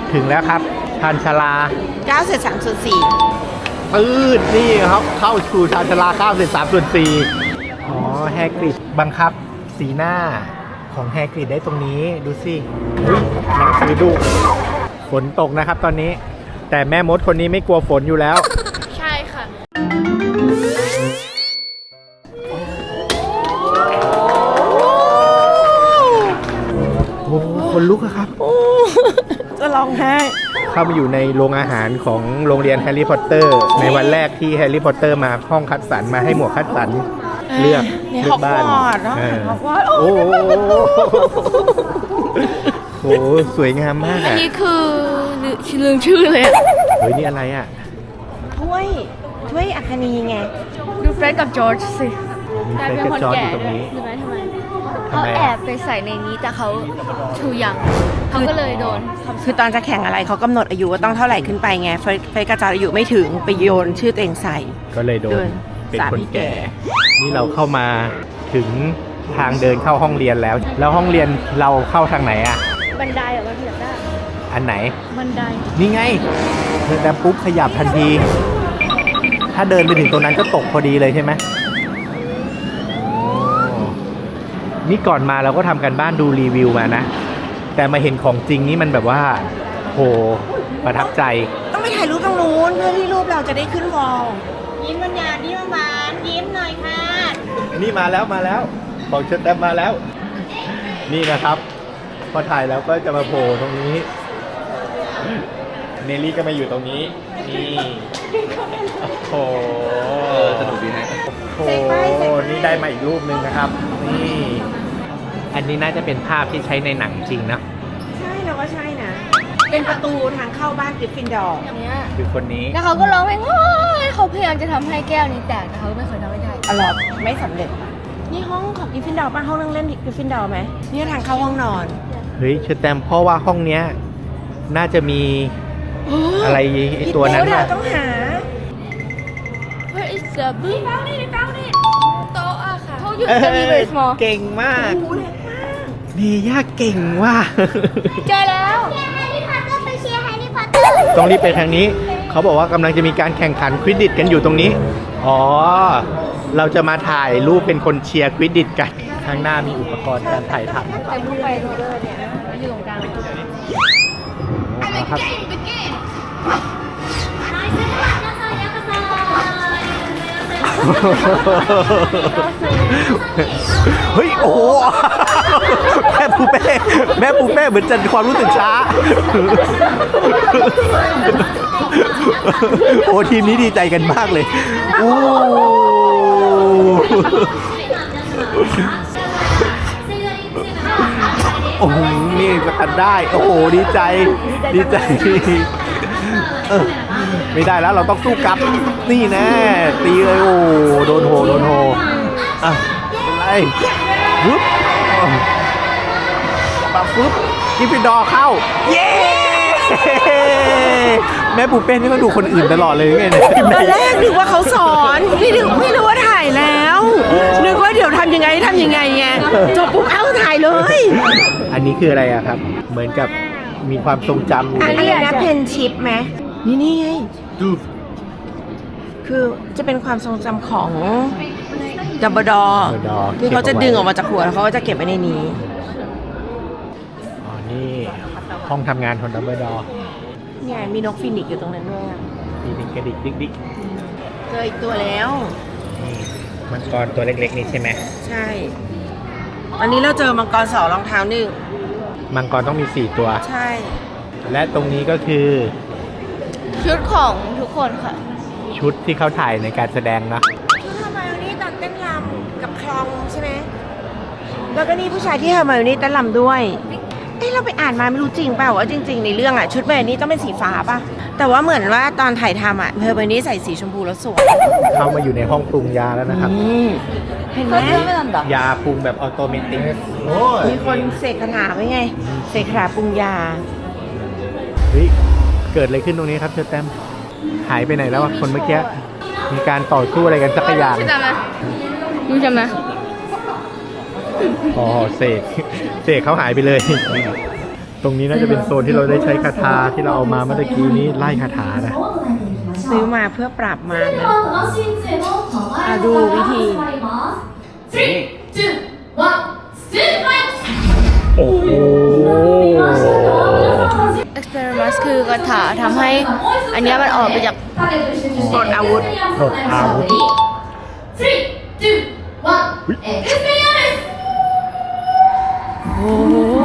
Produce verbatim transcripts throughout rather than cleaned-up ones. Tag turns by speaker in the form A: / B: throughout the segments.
A: ถึงแล้วครับชานชาลา
B: เก้าเศษสามส่วนสี่
A: ปื๊ดนี่ครับเข้าสู่ชานชาลาเก้าเศษสามส่วนสี่อ๋อแฮกริดบังคับสีหน้าของแฮกริดได้ตรงนี้ดูสิหนังสือดูฝนตกนะครับตอนนี้แต่แม่มดคนนี้ไม่กลัวฝนอยู่แล้ว
C: ใช่ค่ะ
A: โอ้คนลุกอะครับ
B: จะร้องไห้
A: เข้ามาอยู่ในโรงอาหารของโรงเรียนแฮร์รี่พอตเตอร์ในวันแรกที่แฮร์รี่พอตเตอร์มาห้องคัดสรรมาให้หมวกคัดสรรเลือกเลือกบ้านโอ้โหสวยงามมากอ่ะ
C: อันนี้คือลืมชื่อเลย
A: เฮ้ยนี่อะไรอ่ะ
B: ถ้วยถ้วยอัคนีไง
C: ดูเฟรดกับจอร์จสิ
A: มีเฟรดกับจอร์จอยู่ตรงนี้
C: รู้ไหมทำไมเขาแอบไปใส่ในนี้แต่เขาทูยังเขาก็เลยโดน
B: คือตอนจะแข่งอะไรเขากำหนดอายุว่าต้องเท่าไหร่ขึ้นไปไงเฟรดเฟรดกับจอร์จอายุไม่ถึงไปโยนชื่อตัวเองใส่
A: ก็เลยโดนเป็นคนแก่นี่เราเข้ามาถึงทางเดินเข้าห้องเรียนแล้วแล้วห้องเรียนเราเข้าทางไหนอ่ะ
C: บันไดเหรอมันขยับได้
A: อันไหน
C: บันได
A: นี่ไงเดินแต่ปุ๊บขยับทันทีถ้าเดินไปถึงตรงนั้นก็ตกพอดีเลยใช่ไหมนี่ก่อนมาเราก็ทำกันบ้านดูรีวิวมานะแต่มาเห็นของจริงนี่มันแบบว่าโหประทับใจ
B: ต้องไปถ่ายรูปตรงนู้นเพื่อที่รูปเราจะได้ขึ้นวอลยิ้มบรรยายิ้มหวานยิ้มหน่อยค่ะ
A: นี่มาแล้วมาแล้วของเชิดแต้มมาแล้วนี่นะครับพอถ่ายแล้วก็จะมาโผล่ตรงนี้เนลลี่ก็มาอยู่ตรงนี้นี่โอ้โหสนุกดีนะโอ้โหนี่ได้มาอีกรูปหนึ่งนะครับนี่อันนี้น่าจะเป็นภาพที่ใช้ในหนังจริงนะ
B: ใช่เราก็ใช่นะเป็นประตูทางเข้าบ้านกริฟฟินดอร์
A: คือคนนี้
C: แล้วเขาก็ร้องเพลงเขาพยายามจะทำให้แก้วนี้แตกแต่เขาไม่เคยทำให้ได้
B: อร่อยไม่สำเร็จนี่ห้องของกริฟฟินดอร์ป่ะห้องนั่งเล่นกริฟฟินดอร์ไหมนี่ทางเข้าห้องนอน
A: เฮ้ยเชอร์แตมเพราะว่าห้องเนี้ยน่าจะมีอะไรไอตัวนั้น
B: น่ะต้องหา
C: Where is the blue ฟังนี่ฟังนี่โต๊ะอะค่ะเขาอยู่ตรงนี้เลยสมอ
A: เก่งมากนี่ยากเก่งว่ะ
C: เจอแล้ว
D: แฮร์รี่พอตเตอร์ไปเชียร์แฮร์รี่พอตเตอร์
A: ต้องรีบไปทางนี้เขาบอกว่ากำลังจะมีการแข่งขันควิดดิชกันอยู่ตรงนี้อ๋อเราจะมาถ่ายรูปเป็นคนเชียร์ควิดดิชกันข้างหน้ามีอุปกรณ์การถ่ายทำ
C: แต่ผู้ไปโรเลอร์เนี่ยอยู่ตรงกลาง
A: ครับเฮ้ยโอ้แม่ปูเป้แม่ปูเป้เหมือนจะความรู้สึกช้าโอ้ทีมนี้ดีใจกันมากเลยโอ้โอ้โหนี่จะกันได้โอ้โหดีใจดีใจเออไม่ได้แล้วเราต้องสู้กลับนี่แน่ตีเลยโอ้โดนโหโดนโหอ่ะเป็นไรฟึ๊บปะฟึ๊บกิฟฟินดอร์เข้าเย้แม่ปูเป้นี่ก็ดูคนอื่นตลอดเลยไงเนี่ย
B: ตอนแรกนึกว่าเขาสอนพี่นึกไม่รู้ว่าถ่ายแล้วนึกว่าเดี๋ยวทำยังไงทำยังไงไงจบปุ๊บเอ้าถ่ายเลย
A: อันนี้คืออะไรอะครับเหมือนกับมีความทรงจำอยู่
B: อันนี้นะเพนชิปไหมนี่นี่ไงดูคือจะเป็นความทรงจำของดัมเบิลดอร์ที่เขาจะดึงออกมาจากหัวแล้วเขาก็จะเก็บไว้ในนี้
A: อ๋อนี่ห้องทำงานของดัมเบิลดอร์
B: เนี่ยมีนกฟินิกอยู่ตรงนั้นด้วย
A: ฟีนิกกระดิกดิ๊กดิ๊ก
B: เจออีกตัวแล้ว
A: มังกรตัวเล็กๆนี่ใช่ไหม
B: ใช่อันนี้เราเจอมังกรสองรองเท้าหนึ่ง
A: มังกรต้องมีสี่ตัว
B: ใช่
A: และตรงนี้ก็คือ
C: ชุดของทุกคนค่ะ
A: ชุดที่เขาถ่ายในการแสดงนะ
B: ชุดฮาร์ไมโอนี่ตอนเต้นรำกับคลองใช่ไหมแล้วก็นี่ผู้ชายที่ฮาร์ไมโอนี่เต้นรำด้วยเอ้เราไปอ่านมาไม่รู้จริงเปล่าว่าจริงๆในเรื่องอ่ะชุดแบบนี้ต้องเป็นสีฟ้าป่ะแต่ว่าเหมือนว่าตอนถ่ายทำอ่ะเฮอร์ไมโอนี่ใส่สีชมพูแล้วสวย
A: เข้ามาอยู่ในห้องปรุงยาแล้วนะครับ
B: เห็นไหม
A: ยาปรุงแบบออโตเมติก
B: มีคนเสกคาถาไว้ไงเสกคาถาปรุงยา
A: เฮ้ยเกิดอะไรขึ้นตรงนี้ครับเชอร์แตมหายไปไหนแล้วคนเมื่อกี้มีการต่อสู้อะไรกันสักอย่าง
C: จำไหมรู้จำไหม
A: อ๋อเสกเสกเขาหายไปเลยตรงนี้น่าจะเป็นโซนที่เราได้ใช้คาถาที่เราเอามาเมื่อกี้นี้ไล่คาถานะ
B: ซื้อมาเพื่อปราบมารนะอ่ะดูวิธี
A: โอ้โห
C: experiment คือกระถาทำให้อันเนี้ยมันออกไปจาก
B: กดอาวุธ
A: กดอาวุธอ๋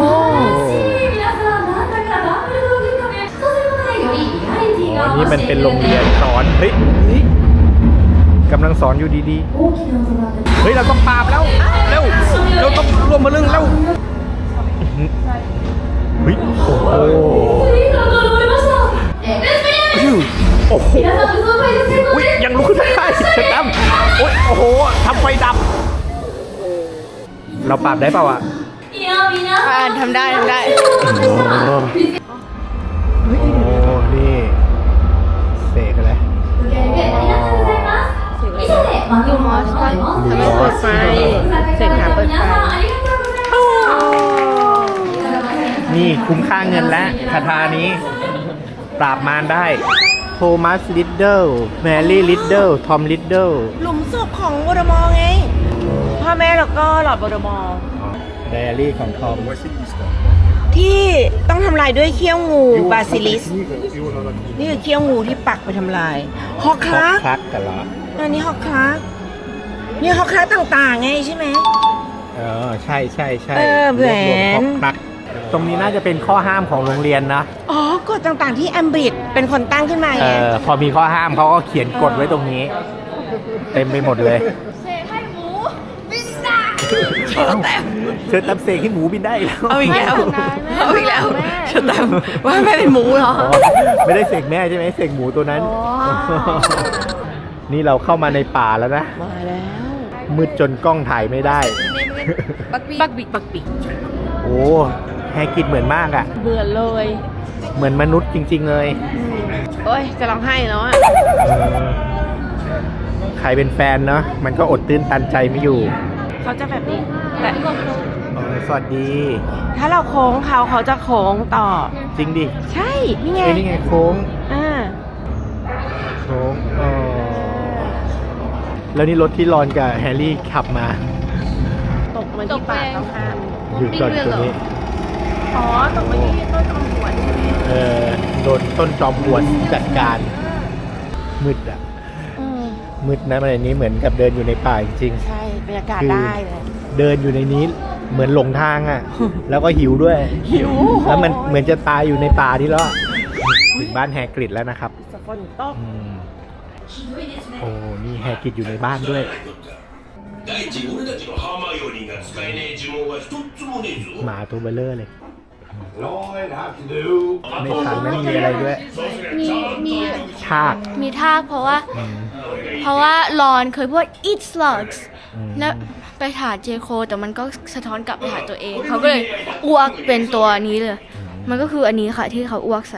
A: อนี่มันเป็นโรงเรียนสอน เฮ้ยกำลังสอนอยู่ดีๆ เฮ้ย เราต้องปราบแล้ว เร็ว เราต้องรวมมาเรื่องแล้วเฮ้ย โอ้โหโอ้โหอุ๊ยยังลุกขึ้นไม่ได้ฉันดำโอ้ยโอ้โหทำไฟดับ เราปราบได้เปล่าอ่ะ
C: อ่าทำได้ทำได้
A: โอ้โหนี่เสกอะไร
C: ยูมอสป่ะ
B: ทำให้เปิดไฟเสร็จหาเปิดไฟ
A: นี่คุ้มค่าเงินแล้วคาถานี้ ปราบมารได้โทมัสลิดเดิลแมรี่ลิดเดิลทอมลิดเดิล
B: หลุมศพของวอร์ดมอร์ไง พ่อแม่แล้วก็หลอดวอร์ดมอร์
A: ไดอารี่ของทอม
B: ที่ต้องทำลายด้วยเขี้ยวงูบาซิลิส นี่คือเขี้ยวงูที่ปักไปทำลาย ฮอกค
A: ค
B: ลัก
A: ลักกันเหรอ
B: อันนี้ฮอกคลักนี่ฮอกคลักต่างๆไงใช่ไหม
A: เออใช่ใช่ใช่
B: เออแหวน
A: รวมๆคลักตรงนี้น่าจะเป็นข้อห้ามของโรงเรียนนะ
B: อ๋อกฎต่างๆที่แอมบริดเป็นคนตั้งขึ้นมา
A: เอ
B: ไง
A: อพอมีข้อห้ามเขาก็เขียนกฎไว้ตรงนี้ เต็มไปหมดเลย
C: เสกให้หมูบินได้
A: เชิญเชิญตำเสกให้หมูบินได้อีกแล้ว
B: เอาอีกแล้ว
C: แม่
B: เอาอีกแล้ว
C: แม่
B: ฉันตามว่าแม่เป็นหมูเหรอ
A: อ๋อไม่ได้เสกแม่ใช่ไหมเสกหมูตัวนั้น นี่เราเข้ามาในป่าแล้วนะ
B: มาแล้ว
A: มืดจนกล้องถ่ายไม่ได้
C: บักบี
B: ปักบิกปักบิก
A: โอ้แฮกิดเหมือนมากอ่ะ
B: เบื่อเลย
A: เหมือนมนุษย์จริง ๆ เลย
B: โอ้ยจะร้องไห้แล้วอ่ะ
A: เออใครเป็นแฟนเนาะมันก็อดตื้นตันใจไม่อยู่
B: เขาจะแบบนี้แต่
A: อ๋อสวัสดี
B: ถ้าเราโค้งเขาเขาจะโค้งต่อ
A: จริงดิ
B: ใช่ นี่ไง
A: เอ้ยนี่ไงโค้ง
B: อ่า
A: โค้งอ๋อแล้วนี่รถที่รอนกับแฮร์รี่ขับมา
B: ตกมาที่ปากต้องห้าม
A: อยู่ก่อนตัวนี้
B: อ๋อ ตกมาที่ต้นจอมปลวกใช่ไหม
A: เออโดนต้นจอมปลวกจัดการ มืดอ่ะ
B: อืม
A: มืดนะมันในนี้เหมือนกับเดินอยู่ในป่าจริง
B: ใช่บรรยากาศ
A: คือ
B: ได้เลย
A: ๆเดินอยู่ในนี้เหมือนหลงทางอ่ะ แล้วก็หิวด้วย
B: หิว
A: แล้วมันเหมือนจะตายอยู่ในป่าที่แล้วอะถึงบ้านแฮกริดแล้วนะครับ
B: สฝนตก
A: อืมโอ้นี่แฮกริดอยู่ในบ้านด้วย
E: 第一俺たちのハーマイオニーが使えねえ呪文は一つもねえぞ
A: หมาตัวเบลเลอร์เลย
E: All I have to do
A: ไม่ทันไม่มีอะไรด้วย
C: มีมี
A: ชาก
C: มีท่าเพราะว่า เพราะว่ารอนเคยพูด eat slugs
A: อืม
C: แล้วไปถามเจโคแต่มันก็สะท้อนกลับไปหาตัวเอง เขาก็เลยอ้วกเป็นตัวนี้เลย มันก็คืออันนี้ค่ะที่เขาอ้วกใส่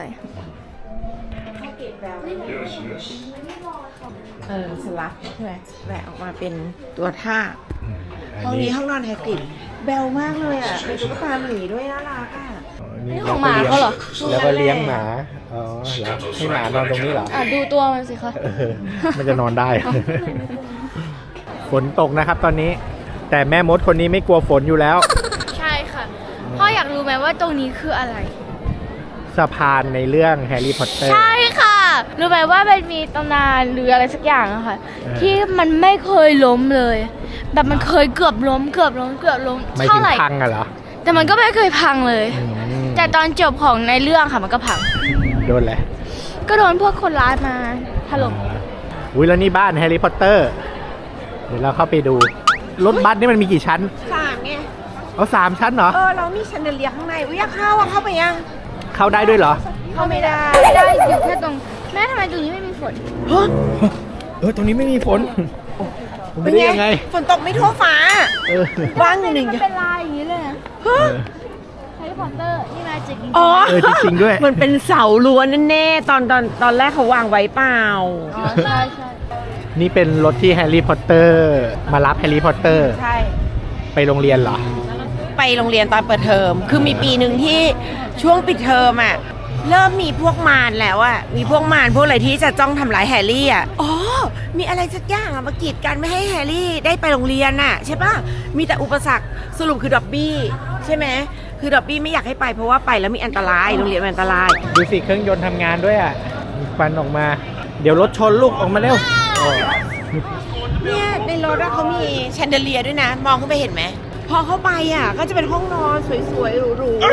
B: เออสลับใช่ไหมแหวกออกมาเป็นตัวท่า
A: อืม
B: ห้องนี้ห้องนอนแฮกริดแบลมากเลยอ่ะเป็นตุ๊กตาหมีด้วยน่ารักอ่ะ
A: อ๋อ
C: นี่ของหมาเขาเหรอ
A: แล้วก็เลี้ยงหมา อ๋อเหรอให้หมานอนตรงนี้เหรอ
C: อ่ะดูตัวมันสิคะ
A: เออมันจะนอนได้ ฝนตกนะครับตอนนี้ แต่แม่มดคนนี้ไม่กลัวฝนอยู่แล้ว
C: ใช่ค่ะ พ่ออยากรู้ไหมว่าตรงนี้คืออะไร
A: สะพานในเรื่องแฮร์รี่พอตเตอร์
C: ใช่ค่ะ รู้ไหมว่ามันมีตำนานหรืออะไรสักอย่างอะค่ะ
A: เออ
C: ที่มันไม่เคยล้มเลย แบบมันเคยเกือบล้มเกือบล้มเกือบล้ม
A: ไม่
C: เท่า
A: ถึง
C: ไหร่
A: พังอะเหรอ
C: แต่มันก็ไม่เคยพังเลย
A: อืม
C: แต่ตอนจบของในเรื่องค่ะมันก็พัง
A: โดนแหละ
C: ก็โดนพวกคนร้ายมาถล่ม
A: อุ้ยแล้วนี่บ้านแฮร์รี่พอตเตอร์ เดี๋ยวเราเข้าไปดู รถบัสนี่มันมีกี่ชั้น
B: สามไง
A: เอาสามชั้นเหรอ
B: เออ เรามีชันเดเลียร์ข้างในอุ้ยอยากเข้าอ่ะเข้าไปยัง
A: เข้าได้ด้วยเหรอ
B: เข้าไม่ได้
C: ไม่ได้อยู่แค่ตรงแม่ทำไมตรงนี้ไม่มีฝน
B: ฮะ
A: เออ ตรงนี้ไม่มีฝน ผม
B: เป็
A: ไม่
B: น
A: ได้
B: ไง
A: ยังไง
B: ฝนตกไม่ทั่วฟ้า
A: เออ
B: ว่างอยู่หนึ่ง
C: มันเป็นลายอย่างนี้เลยนะ
B: ฮะ
C: แฮร์รี่พอตเตอร์นี่มาจริง
B: อ๋อ
A: เออจริงๆด้วย
B: มันเป็นเสาล้วนแน่ๆตอนตอนตอนแรกเขาวางไว้เปล่า
C: อ๋อใช่ใช่
A: นี่เป็นรถที่แฮร์รี่พอตเตอร์มารับแฮร์รี่พอตเตอร์
B: ใช่
A: ไปโรงเรียนเหรอ
B: ใไปโรงเรียนตอนเปิดเทอมคือมีปีหนึ่งที่ช่วงปิดเทอมอ่ะเริ่มมีพวกมารแล้วอ่ะมีพวกมารพวกอะไรที่จะจ้องทำร้ายแฮร์รี่อ่ะอ๋อมีอะไรสักอย่างอ่ะมากีดกันไม่ให้แฮร์รี่ได้ไปโรงเรียนน่ะใช่ปะมีแต่อุปสรรคสรุปคือดอบบี้ใช่ไหมคือดอบบี้ไม่อยากให้ไปเพราะว่าไปแล้วมีอันตรายโรงเรียนมันอันตราย
A: ดูสิเครื่องยนต์ทำงานด้วยอ่ะมีควันออกมา เดี๋ยวรถชนลูกออกมาเร็วโอ้
B: เนี่ยในรถอะเขามีแชนเดเลียร์ด้วยนะ มองขึ้นไปเห็นไหมพอเข้าไปอ่ะก็จะเป็นห้องนอนสวยๆหรูๆ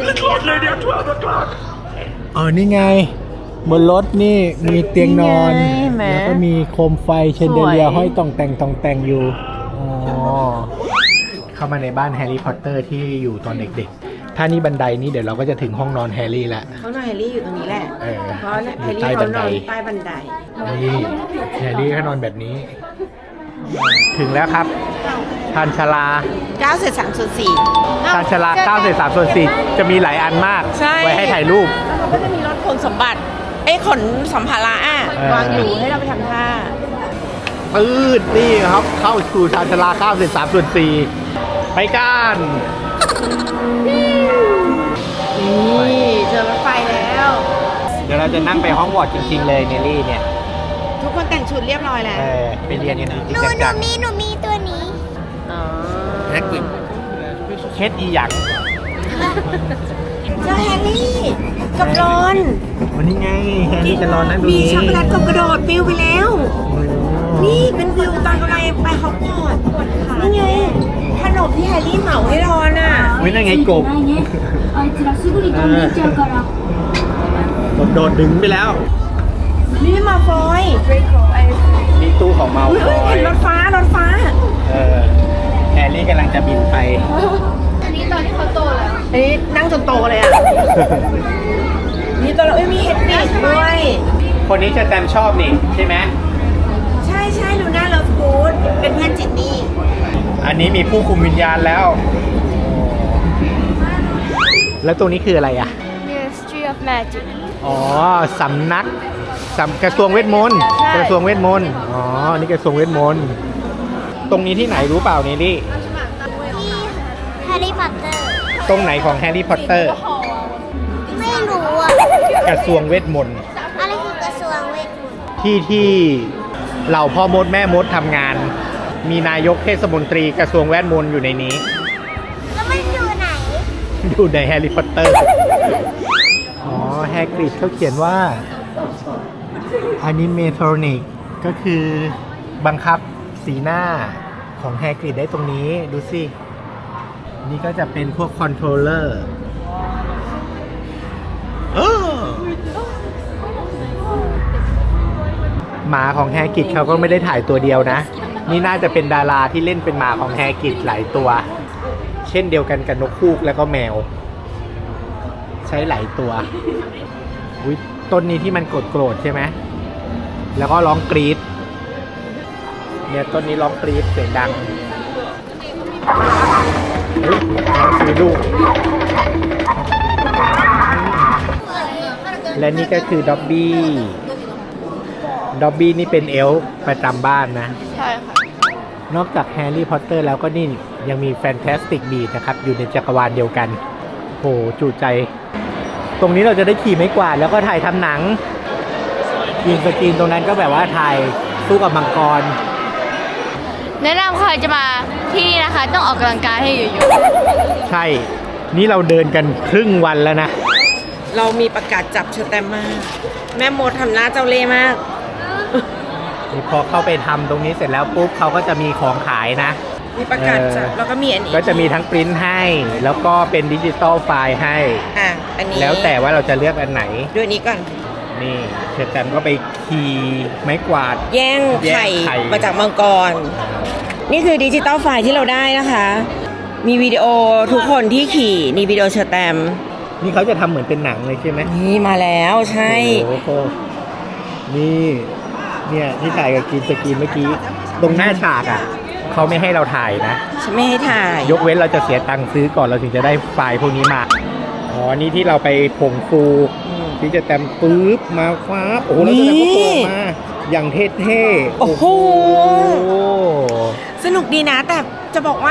A: อ๋อนี่ไงบนรถนี่มีเตียงนอน
B: นี่ไงเห็นไหม
A: แล้วก็มีโคมไฟเชนเดเลียร์
B: สวย
A: ห้อยต่องแต่งต่องแต่งอยู่อ๋อเข้ามาในบ้านแฮร์รี่พอตเตอร์ที่อยู่ตอนเด็กๆ ถ้านี่บันไดนี้เดี๋ยวเราก็จะถึงห้องนอนแฮร์รี่แล้ว
B: ห้องนอนแฮร์รี่อยู่ตรงนี้แหละ
A: เออ
B: เพราะแฮร์รี่
A: ใต้บั
B: เขา
A: น
B: น
A: ได
B: อนใต้บันได
A: นี่แฮร์รี่ก็นอนแบบนี้ ถึงแล้วครับชานชาลา
B: เก้าเศษสามส่วนสี่
A: ชานชาลาเก้าเศษสามส่วนสี่จะมีหลายอันมาก
B: ใช่
A: ไว้ให้ถ่ายรูป
B: แล้วก็จะมีรถขนสมบัติเอ้ยขนสัมภาระอ่ะ
A: เออ
B: วางอยู่ให้เราไปทำท่า
A: ปืดนี่ครับ เข้าสู่ชานชาลาเก้าเศษสามส่วนสี่ไปกัน
B: นี่เจอรถไฟแล้ว
A: เดี๋ยวเราจะนั่งไปห้องวอร์ดจริงๆเลยเนลลี่เนี่ย
B: ทุกคนแต่งชุดเรียบร้อยแล้ว
A: เออไปเรียนกันจริง
D: หนู
A: ๆ
D: หนู
A: จัง
D: มีหนูมีตัวนี้
B: อ๋อ
A: ๆแฮกวิเคสอีหยัง
B: เจอแฮร์รี่กับรอน
A: วันนี้ไงแฮร์รี่จะรอนั่งดู
B: มี
A: นี้
B: ช็อกโกแลตกบกระโดดปิวไปแล้ว นี่เป็นวิวตอนกำลังไปฮอกวอตส์นี่ไงขนมที่แฮร์รี่เหมาให้รอนอ่ะ
A: วินั่นไงกบ
F: あいつらすぐに飛んでいっちゃうから
A: กบโดดดึงไปแล้ว
B: นี่มาฟอย
A: นี่ตู้ของเมา
B: อุ๊ย
A: คอ
B: เห็
A: ย
B: นรถฟ้ารถฟ้า
A: เออแฮร์รี่กำลังจะบินไป
C: อันนี้ตอนที่เขาโตแล้ว
B: อันนี้นั่งจนโตเลยอ่ะ นี่ตัวเราเอ้ยมีเฮดบิดด้วย
A: คนนี้จะแตมชอบนี่ใช่ไหม
B: ใช่ใช่ลูน่าเลิฟกูดเป็นเพื่อนจินนี่
A: อันนี้มีผู้คุมวิญญาณแล้ว แล้วตรงนี้คืออะไรอ่ะ
C: Ministry of Magic
A: อ๋อ สำนักสำกระทรวงเวทมนต์ กระทรวงเวทมนต์ อ๋อ นี่กระทรวงเวทมนต์ ตรงนี้ที่ไหนรู้เปล่าเนลลี่
D: ที่แฮร์รี่พอตเตอร์
A: ตรงไหนของแฮร์รี่พอตเตอร์
D: ไม่รู้อ่ะ
A: กระทรวงเวทมนต์
D: อะไรคือกระทรวงเวทมนต์
A: ที่ที่เหล่าพ่อมดแม่มดทำงาน มีนายกเทศมนตรีกระทรวงเวทมนต์อยู่ในนี้
D: แล้วมันอยู่ไหน
A: อยู่ในแฮร์รี่พอตเตอร์ อ๋อ แฮกริดเขาเขียนว่า Animatronic ก็คือบังคับสีหน้าของแฮกริดได้ตรงนี้ ดูสิ นี่ก็จะเป็นพวกคอนโทรลเลอร์หมาของแฮกริดเขาก็ไม่ได้ถ่ายตัวเดียวนะ นี่น่าจะเป็นดาราที่เล่นเป็นหมาของแฮกริดหลายตัว เช่นเดียวกันกับนกฮูกแล้วก็แมว ใช้หลายตัวอุ๊ยต้นนี้ที่มันโกรธโกรธใช่ไหมแล้วก็ร้องกรี๊ดเนี่ยต้นนี้ร้องกรี๊ดเสียงดังเฮ้ยน้องซื้อลูกและนี่ก็คือด็อบบี้ด็อบบี้นี่เป็นเอลฟ์ประจำบ้านนะ
C: ใช่ค่ะ
A: นอกจากแฮร์รี่พอตเตอร์แล้วก็นี่ยังมีแฟนตาสติกบีทนะครับ อยู่ในจักรวาลเดียวกันโหจูใจ ตรงนี้เราจะได้ขี่ไม้กวาดแล้วก็ถ่ายทำหนังยิงสกรีนตรงนั้นก็แบบว่าถ่ายสู้กับมังกร
C: แนะนำใครจะมาที่นี่นะคะ ต้องออกกำลังกายให้เยอะ
A: ใช่ นี่เราเดินกันครึ่งวันแล้วนะ
B: เรามีประกาศจับเชอแตมมาก แม่มดทำหน้าเจ้าเล่ห์มาก
A: นี่พอเข้าไปทำตรงนี้เสร็จแล้วปุ๊บเขาก็จะมีของขายนะ
B: มีประกาศจับ
A: เออ
B: แล้วก็มีอันนี้
A: ก็จะมีทั้งปริ้นให้ แล้วก็เป็นดิจิตอลไฟล์ให้
B: อ่ะอันนี้
A: แล้วแต่ว่าเราจะเลือกอันไหน
B: ดูอันนี้ก่อน
A: นี่เชอร์แตมก็ไปขี่ไม้กวาด
B: แย่งไข่
A: แย่งไข่
B: มาจากมังกร นี่คือดิจิตอลไฟล์ที่เราได้นะคะ มีวิดีโอทุกคนที่ขี่นี่วิดีโอเชอแตม
A: นี่เขาจะทำเหมือนเป็นหนังเลยใช่ไหม
B: นี่มาแล้วใช่
A: โอ้โหนี่ เนี่ยที่ถ่ายกับกรีนสกรีนเมื่อกี้ ตรงหน้าฉากอ่ะ เขาไม่ให้เราถ่ายนะ
B: ฉันไม่ให้ถ่าย
A: ยกเว้นเราจะเสียตังค์ซื้อก่อนเราถึงจะได้ไฟล์พวกนี้มา อ๋อ นี่ที่เราไปผงฟู
B: อืม
A: ที่จะแต้มปุ๊บมาคว้าโอ้โหแล้วจะแต้มก็โผล่มา อย่างเท่ๆ
B: โอ้โห
A: โอ้โห
B: สนุกดีนะ แต่จะบอกว่า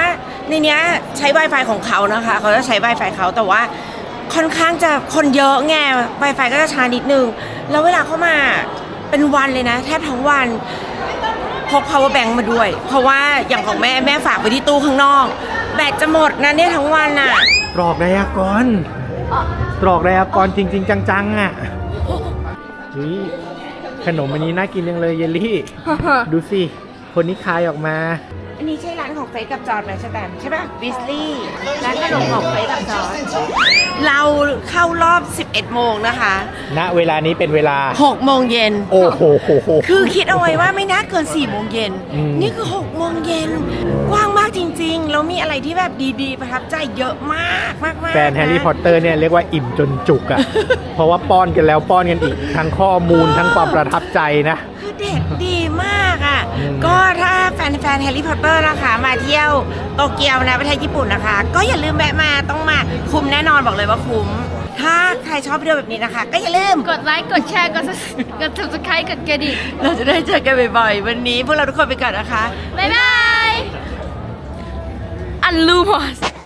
B: ในเนี้ยใช้ Wi-Fi ของเขานะคะเขาจะใช้ Wi-Fi เขาแต่ว่าค่อนข้างจะคนเยอะไง Wi-Fi ก็จะช้านิดนึงแล้วเวลาเข้ามาเป็นวันเลยนะแทบทั้งวันพก power bank มาด้วย เพราะว่าอย่างของแม่แม่ฝากไว้ที่ตู้ข้างนอกแบตจะหมดนะเนี่ยทั้งวันน่ะ
A: ตรอกไดอากรตรอกไดอากรจริง ๆ จังๆอ่ะนี่ขนมอันนี้น่ากินจังเลยเยลลี่ ดูสิ คนนี้คายออกมา
B: อันนี้ใช่ร้านของเฟซกับจอร์ดไหมใช่ไหมใช่ป่ะบิสลี่ร้านขนมของเฟซกับจอร์ดเราเข้ารอบ สิบเอ็ดโมงนะคะ
A: ณเวลานี้เป็นเวลา
B: หกโมงเย็น
A: โอ้โหโหโห
B: คือคิดเอาไว้ว่าไม่น่าเกินสี่โมงเย็น
A: อืม
B: นี่คือหกโมงเย็นกว้างมากจริงๆแล้วมีอะไรที่แบบดีๆ ประทับใจเยอะมากมากมาก
A: แฟนแฮร์รี่พอตเตอร์เนี่ยเรียกว่าอิ่มจนจุกอ่ะ เพราะว่าป้อนกันแล้วป้อนกันอีก ทั้งข้อมูลทั้งความประทับใจนะ
B: คือเด็ดดีมากอ่ะ
A: อืม
B: ก็ถ้าแฟนแฟนแฮร์รี่พอตเตอร์นะคะ มาเที่ยวโตเกียวนะประเทศญี่ปุ่นนะคะ ก็อย่าลืมแวะมาต้องมาคุ้มแน่นอนบอกเลยว่าคุ้ม ถ้าใครชอบวิดีโอแบบนี้นะคะ ก็อย่าลืม
C: กดไลค์ กดแชร์ กด กด subscribe กดกระดิ่ง
B: เราจะได้เจอกันบ่อยๆ วันนี้พวกเราทุกคนไปก่อนนะคะ
C: บ๊ายบาย อันลูมอส